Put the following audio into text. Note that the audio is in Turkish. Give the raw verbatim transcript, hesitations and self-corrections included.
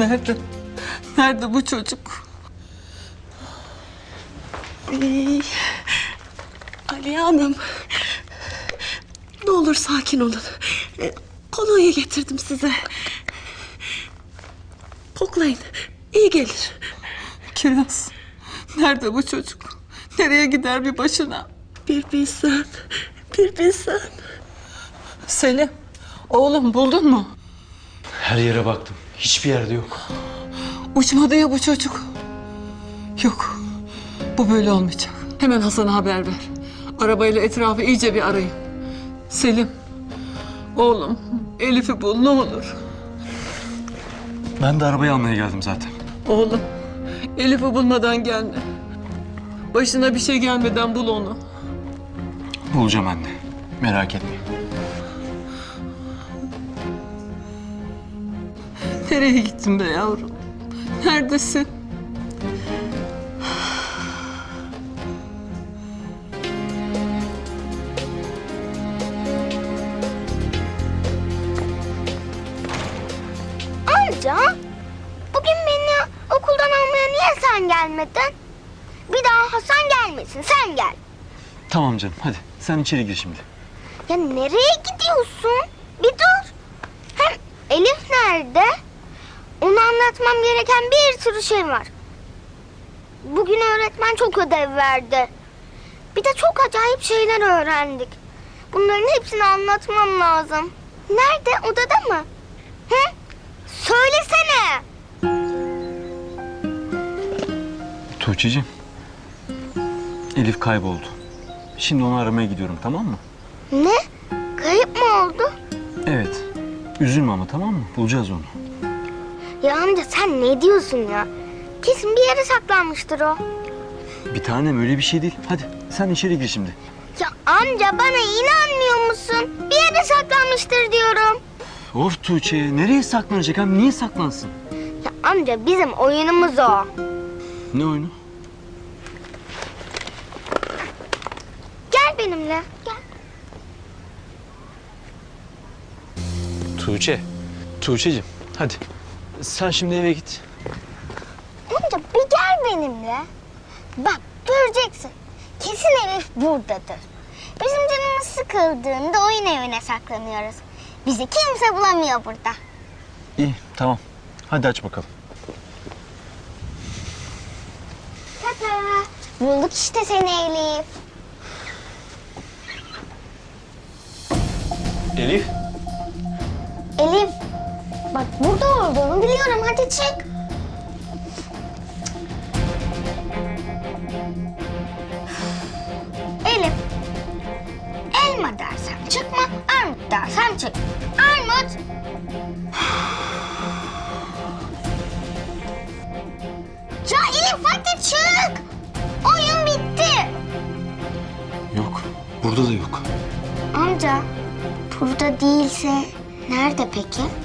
Nerede? Nerede bu çocuk? Ee, Aliye Hanım. Ne olur sakin olun. Ee, kolonya getirdim size. Koklayın. İyi gelir. Kiraz. Nerede bu çocuk? Nereye gider bir başına? Bir bilsen. Bir bilsen. Selim. Oğlum buldun mu? Her yere baktım. Hiçbir yerde yok. Uçmadı ya bu çocuk. Yok. Bu böyle olmayacak. Hemen Hasan'a haber ver. Arabayla etrafı iyice bir arayın. Selim. Oğlum Elif'i bul ne olur. Ben de arabayı almaya geldim zaten. Oğlum Elif'i bulmadan gelme. Başına bir şey gelmeden bul onu. Bulacağım anne. Merak etme. Nereye gittin be yavrum? Neredesin? Amca, bugün beni okuldan almaya niye sen gelmedin? Bir daha Hasan gelmesin, sen gel. Tamam canım hadi. Sen içeri gir şimdi. Ya nereye gidiyorsun? Bir dur. Hem Elif nerede? Ona anlatmam gereken bir sürü şey var. Bugün öğretmen çok ödev verdi. Bir de çok acayip şeyler öğrendik. Bunların hepsini anlatmam lazım. Nerede? Odada mı? Hı? Söylesene. Tuğçe'cim. Elif kayboldu. Şimdi onu aramaya gidiyorum, tamam mı? Ne? Kayıp mı oldu? Evet. Üzülme ama, tamam mı? Bulacağız onu. Ya amca sen ne diyorsun ya? Kesin bir yere saklanmıştır o. Bir tanem, öyle bir şey değil. Hadi sen içeri gir şimdi. Ya amca bana inanmıyor musun? Bir yere saklanmıştır diyorum. Of Tuğçe, nereye saklanacak hem? Niye saklansın? Ya amca bizim oyunumuz o. Ne oyunu? Gel benimle. Gel. Tuğçe. Tuğçe'cim hadi. Sen şimdi eve git. Amca bir gel benimle. Bak göreceksin. Kesin Elif buradadır. Bizim canımız sıkıldığında oyun evine saklanıyoruz. Bizi kimse bulamıyor burada. İyi, tamam. Hadi aç bakalım. Tata. Bulduk işte seni Elif. Elif. Elif. Bak burada olduğunu biliyorum. Hadi çık. Elif. Elma dersem çıkma. Armut dersem çık. Armut. Ya Elif hadi çık. Oyun bitti. Yok, burada da yok. Amca burada değilse nerede peki?